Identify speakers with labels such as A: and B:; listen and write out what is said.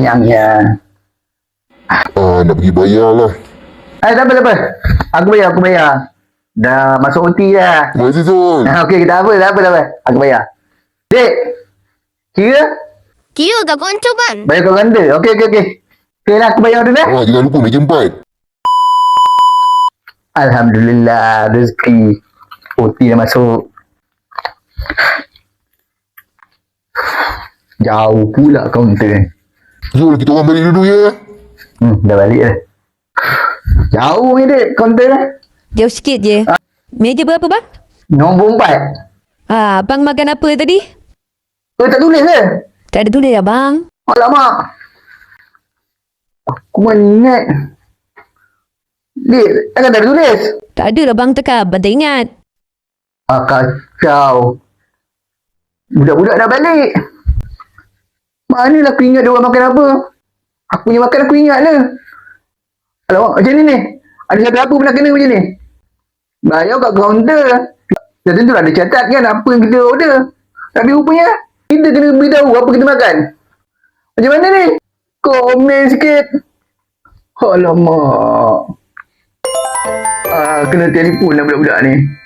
A: kenyangnya.
B: Nak pergi bayar lah.
A: Tak apa. Aku bayar. Dah masuk OT dah.
B: Terima kasih Zul.
A: Okey, tak apa. Aku bayar. Dek, kira?
C: Kira kat konco kan?
A: Bayar kau ganda. Okey. Okey lah, aku bayar dulu dah.
B: Jangan lupa meja 4.
A: Alhamdulillah, rezeki. OT dah masuk. Jauh pula kaunter.
B: Zul, kita orang balik dulu ya.
A: Dah balik dah. Jauh ni dek, kaunter dah.
D: Jauh sikit je. Meja berapa bang?
A: Nombor 4.
D: Abang makan apa tadi?
A: Tak tulis ke?
D: Tak ada tulis abang.
A: Alamak. Aku mana ingat. Dek, takkan tak ada tulis?
D: Tak ada lah bang tekap. Abang tak ingat.
A: Kacau. Budak-budak dah balik. Manalah aku ingat dia orang makan apa. Aku punya makan aku ingat lah. Alamak, macam ni. Ada siapa pernah kena macam ni? Bayar kat kaunter. Dah tentu ada catat kan apa yang kita order. Tapi rupanya kita kena beritahu apa kita makan. Macam mana ni? Komen sikit. Alamak. Kena telefon lah budak-budak ni.